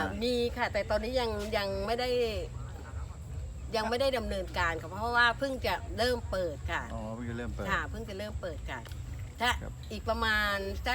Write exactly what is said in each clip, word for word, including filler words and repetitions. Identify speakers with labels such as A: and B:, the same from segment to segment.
A: มีค่ะแต่ตอนนี้ยังยังไม่ได้ยังไม่ได้ดำเนินการค่ะเพราะว่าเพิ่งจะเริ่มเปิดค่ะ
B: อ๋อเพิ่งจะเริ่มเปิด
A: ค่ะเพิ่งจะเริ่มเปิดค่ะถ้า
B: ครับ
A: อีกประมาณสัก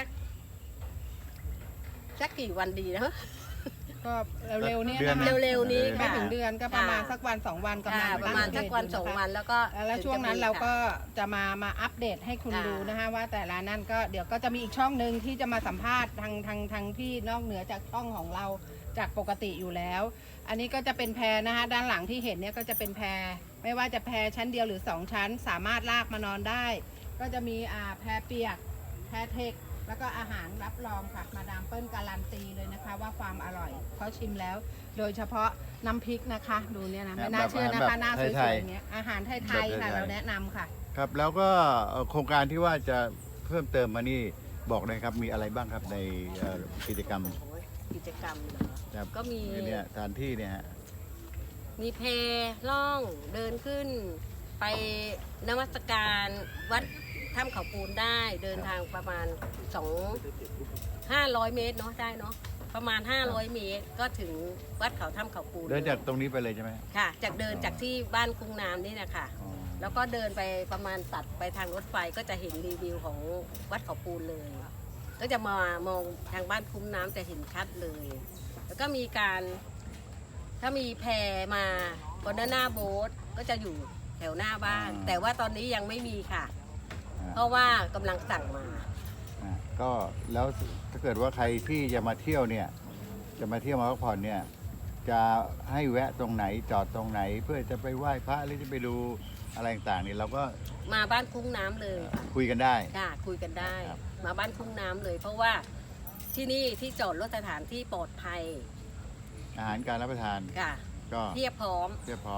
A: สักกี่วันดีนะ
C: ก็เร็วๆเนี้ย
B: ดือ
C: นะคะ
A: เร็วๆนี้
C: ไม่
A: ค่ะ
C: ถึงเดือนก็ประมาณ
A: ค่ะ
C: สักวันสองวันกำลั
A: ค่ะ
C: ง
A: ประมาณสักวัน
C: ตั้
A: สอง
C: เดท
A: วันแล้วก็
C: ยู่นะคะแล้วช่วงนั้นเราก็จะมามาอัปเดตให้คุณ
A: ค่ะ
C: ดูนะคะว่าแต่ละนั่นก็เดี๋ยวก็จะมีอีกช่องหนึ่งที่จะมาสัมภาษณ์ทางทางทางพี่นอกเหนือจากช่องของเราจากปกติอยู่แล้ว อันนี้ก็จะเป็นแพนะคะด้านหลังที่เห็นเนี่ยก็จะเป็นแพไม่ว่าจะแพชั้นเดียวหรือสองชั้น สามารถลากมานอนได้ ก็จะมีอ่าแพเปียกแพเทคแล้วก็อาหารรับรองค่ะมาดามเปิ้ลการันตีเลยนะคะ ว่าความอร่อยเขาชิมแล้ว โดยเฉพาะน้ำพริกนะคะ ดูเนี่ยนะไม่น่าเชื่อนะคะหน้าสวยๆอย่างเงี้ยอาหารไทยๆค่ะเราแนะนำค่ะ
B: ครับแล้วก็เอ่อโครงการที่ว่าจะเพิ่มเติมมานี่บอกเลยครับมีอะไรบ้างครับในเอ่อกิจกรรม
A: โอ้ยกิจกรรมเหรอ
B: ครับ
A: ก็มี
B: เนี่ยสถานที่เนี่ยฮะ
A: มีเพล่องเดินขึ้น ไปนมัสการวัดถ้ำเขาปูนได้เดินทางประมาณสองห้าร้อยเมตรเนาะได้เนาะประมาณ ห้าร้อย เมตร ก็ถึงวัดเขาถ้ำเขาปูน
B: เดินจากตรงนี้ไปเลยใช่ไหม
A: ค่ะ จากเดินจากที่บ้านกุ้งน้ำนี่นะคะ
B: อ๋อ
A: แล้วก็เดินไปประมาณตัดไปทางรถไฟก็จะเห็นรีวิวของวัดเขาปูนเลย ก็จะมามองทางบ้านคุ้มน้ำจะเห็นชัดเลย แล้วก็มีการถ้ามีแพมาบนหน้าโบ๊ทก็จะอยู่แถวหน้าบ้าน แต่ว่าตอนนี้ยังไม่มีค่ะ
B: อ่า
A: เพราะว่ากำลังสั่งมา
B: อ่าก็แล้วถ้าเกิดว่าใครที่จะมาเที่ยวเนี่ยจะมาเที่ยวมาพักผ่อนเนี่ยจะให้แวะตรงไหนจอดตรงไหน เพื่อจะไปไหว้พระหรือจะไปดูอะไรต่างๆเนี่ยเราก็
A: มาบ้านคุ้งน้ำเลยค่ะ
B: คุยกันได้
A: ค่ะคุยกันได้
B: ครับ
A: มาบ้านคุ้งน้ำเลย เพราะว่าที่นี่ที่จอดรถสถานที่ปลอดภัย
B: อาหารการรับประทาน
A: ค่ะ
B: ก็
A: เทียบพร้อม
B: เรียบพร้อม